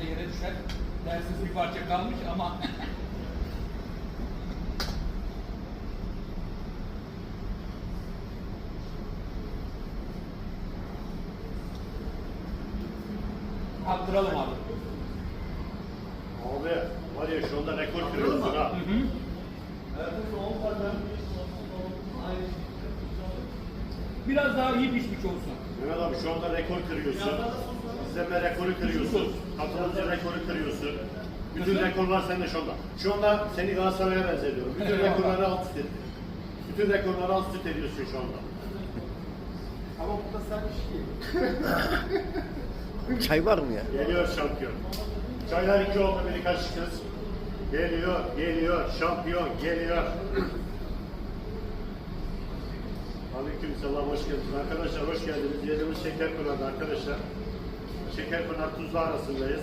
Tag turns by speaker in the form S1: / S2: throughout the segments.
S1: da yere düşer. Dersiz bir parça kalmış ama attıralım abi.
S2: Abi var ya şu anda rekor kırıyorsun ha.
S1: Biraz daha iyi pişmiş olsun.
S2: Mehmet abi şu anda rekor kırıyorsun. İzleme rekoru kırıyorsun. Katılımcı rekoru kırıyorsun. Bütün rekorlar sende şu anda. Şu anda seni Galatasaray'a benzetiyorum. Bütün rekorları alt üst ettin. Bütün rekorları alt üst ediyorsun şu anda.
S3: Ama bu da sen iş değil.
S4: Çay var mı ya?
S2: Geliyor şampiyon. Çaylar 2 oldu, biri kaçtınız. Geliyor, geliyor, şampiyon geliyor. Aleykümselam, hoş geldiniz. Arkadaşlar hoş geldiniz. Yerimiz Şekerpınar'da arkadaşlar. Şekerpınar Tuzla arasındayız.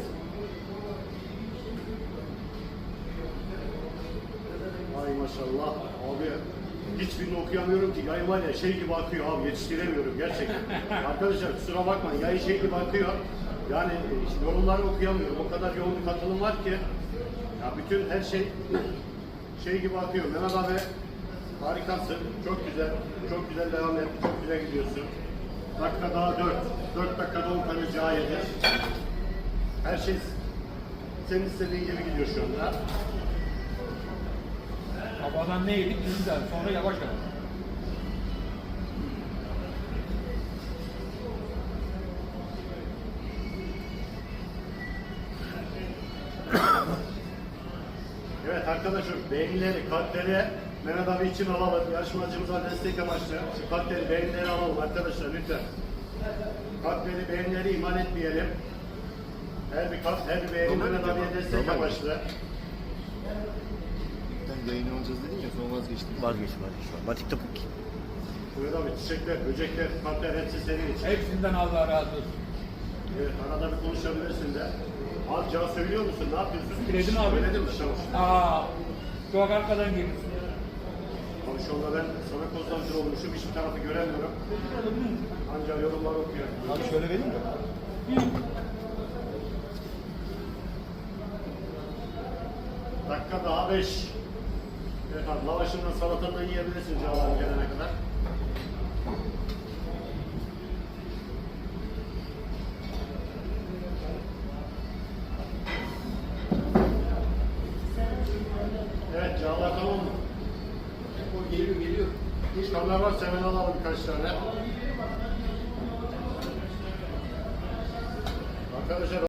S2: Ay maşallah. Abi hiçbirini okuyamıyorum ki. Yayın var ya şey gibi akıyor abi, yetiştiremiyorum gerçekten. Arkadaşlar kusura bakmayın, yayın şey gibi akıyor. Yani yorumları okuyamıyorum. O kadar yoğun bir katılım var ki. Ya bütün her şey gibi akıyor. Mehmet abi harikasın. Çok güzel. Çok güzel devam et. Çok güzel gidiyorsun. Dakika daha 4. 4 dakikada 10 tane cağ yedi. Her şey senin istediğin gibi gidiyor şu anda.
S1: Babadan ne yedik? Güzel. Sonra yavaş yavaş.
S2: Evet arkadaşlar beğenileri, kalpleri Mehmet abi için alalım. Yarışmacımıza destek amaçlı. Şu kalpleri, beğenileri alalım arkadaşlar lütfen. Kalpleri, beğenileri iman etmeyelim. Her bir kalp, her bir beğeni Mehmet abiye destek amaçlı.
S3: Ben yayın olacağız dedin ya sonra vazgeçtim.
S4: Vazgeç. Batik topuk.
S2: Mehmet abi çiçekler, böcekler, kalpler hepsi senin için.
S1: Hepsinden Allah razı olsun.
S2: Evet arada bir konuşabilirsin de. Abi cevap söylüyor musun? Ne yapıyorsun?
S1: Söyledim abi.
S2: Söyledim mi? Tamam.
S1: Aa, çok arkadan geliyorsun.
S2: Abi şu anda ben sana konsantre olmuşum. Hiçbir tarafı göremiyorum. Ancak yorumlar okuyorum.
S3: Abi şöyle vereyim mi?
S2: Dakika daha 5. Evet abi lavaşından salatandan yiyebilirsin cevabı gelene kadar. Evet cevaplar tamam mı?
S3: O geliyor.
S2: Çıkanlar varsa hemen alalım birkaç tane. Arkadaşlar